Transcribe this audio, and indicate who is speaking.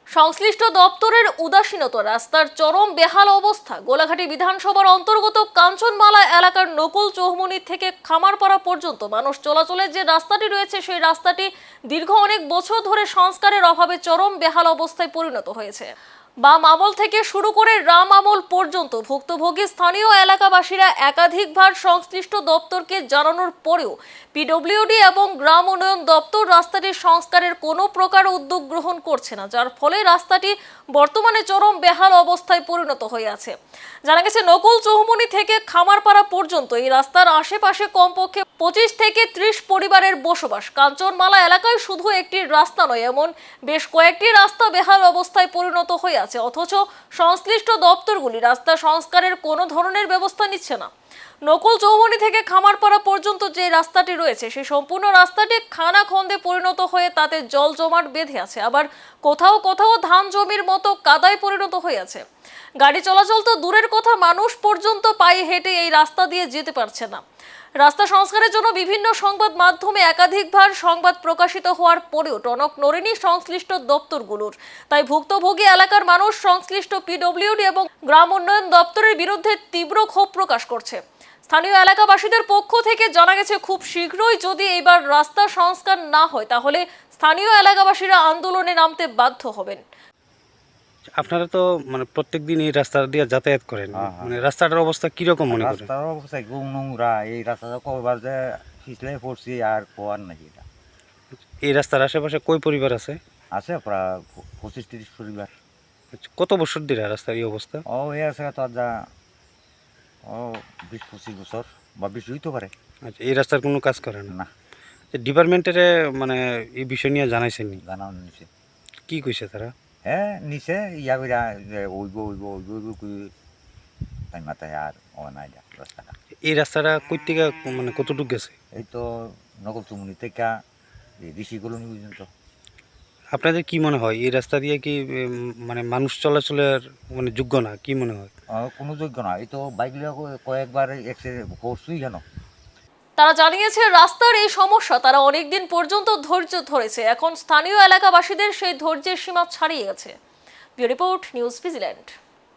Speaker 1: সংশ্লিষ্ট দপ্তরের উদাসীনতা, রাস্তার চরম বেহাল অবস্থা। গোলাঘাটি বিধানসভার অন্তর্গত কাঞ্চনমালা এলাকার নকুল চৌমুহনী থেকে খামারপাড়া পর্যন্ত মানুষ চলাচলের যে রাস্তাটি রয়েছে, সেই রাস্তাটি দীর্ঘ অনেক বছর ধরে সংস্কারের অভাবে চরম বেহাল অবস্থায় পরিণত হয়েছে। বাম আমল থেকে শুরু করে রাম আমল পর্যন্ত ভুক্তভোগী স্থানীয় এলাকাবাসীরা একাধিকবার সংশ্লিষ্ট দপ্তরকে জানানোর পরেও পিডব্লিউডি এবং গ্রাম উন্নয়ন দপ্তর রাস্তাটির সংস্কারের কোনো প্রকার উদ্যোগ গ্রহণ করছে না, যার ফলে রাস্তাটি বর্তমানে চরম বেহাল অবস্থায় পরিণত হয়ে আছে। জানা গেছে, নকুল চৌমুহনী থেকে খামারপাড়া পর্যন্ত এই রাস্তার আশেপাশে কমপক্ষে 25 থেকে 30 পরিবারের বসবাস। কাঞ্চনমালা এলাকায় শুধু একটি রাস্তা নয়, এমন বেশ কয়েকটি রাস্তা বেহাল অবস্থায় পরিণত হয়ে আছে, অথচ সংশ্লিষ্ট দপ্তরগুলি রাস্তা সংস্কারের কোনো ধরনের ব্যবস্থা নিচ্ছে না। নকুল চৌমুহনী থেকে খামারপাড়া পর্যন্ত যে রাস্তাটি রয়েছে, সেই সম্পূর্ণ রাস্তাটি খানাখন্দে পরিণত হয়ে তাতে জল জমাট বেঁধে আছে, আবার কোথাও কোথাও ধান জমির মতো কাদায় পরিণত হয়ে আছে। গাড়ি চলাচল তো দূরের কথা, মানুষ পর্যন্ত পায়ে হেঁটে এই রাস্তা দিয়ে যেতে পারছে না। রাস্তা সংস্কারের জন্য বিভিন্ন সংবাদ মাধ্যমে একাধিকবার সংবাদ প্রকাশিত হওয়ার পরেও টনক নড়েনি সংশ্লিষ্ট দপ্তরগুলোর। তাই ভুক্তভোগী এলাকার মানুষ সংশ্লিষ্ট পিডব্লিউডি এবং গ্রাম উন্নয়ন দপ্তরের বিরুদ্ধে তীব্র ক্ষোভ প্রকাশ করছে। স্থানীয় এলাকাবাসীদের পক্ষ থেকে জানা গেছে, খুব শীঘ্রই যদি এবার রাস্তা সংস্কার না হয়, তাহলে স্থানীয় এলাকাবাসীরা আন্দোলনে নামতে বাধ্য হবেন।
Speaker 2: আপনারা তো মানে প্রত্যেকদিন এই রাস্তা দিয়ে যাতায়াত করেন, মানে রাস্তাটার অবস্থা কিরকম মনে করেন?
Speaker 3: রাস্তার অবস্থা খুব নোংরা। এই রাস্তাটা কবার যে পিছলে পড়ছি আর কোয়ার নাকি। এটা
Speaker 2: এই রাস্তার আশেপাশে কই পরিবার আছে?
Speaker 3: আছে প্রায় 25-30 পরিবার।
Speaker 2: কত বছর ধরে রাস্তার এই অবস্থা?
Speaker 3: এই আছে তো যা 20-25 বছর বা বেশি হইতে পারে।
Speaker 2: আচ্ছা, এই রাস্তার কোনো কাজ করে না?
Speaker 3: না।
Speaker 2: ডিপার্টমেন্টের মানে এই বিষয় নিয়ে জানাইছেননি?
Speaker 3: জানাও নিচে
Speaker 2: কি কইছে তারা?
Speaker 3: হ্যাঁ নিচে ইয়া কইরা ওইব ওইব ওইব ওইব কই তাই মাথায় আর নাই রাস্তাটা।
Speaker 2: এই রাস্তাটা কই থেকে মানে কতটুকু গেছে?
Speaker 3: এই তো নকল চৌমুহনী থেকে ঋষি কলোনি পর্যন্ত।
Speaker 2: আপনাদের কি মনে হয় এই রাস্তা দিয়ে কি মানে মানুষ চলাচলের মানে যোগ্য না? কি মনে হয়?
Speaker 3: কোনো যোগ্য না। এই তো বাইকগুলো কয়েকবার অ্যাক্সিডেন্ট করছই কেন।
Speaker 1: তারা জানিয়েছে, রাস্তার এই সমস্যা তারা অনেকদিন পর্যন্ত ধৈর্য ধরেছে, এখন স্থানীয় এলাকাবাসীদের সেই ধৈর্যের সীমা ছাড়িয়ে গেছে। Bureau report, news vigilante.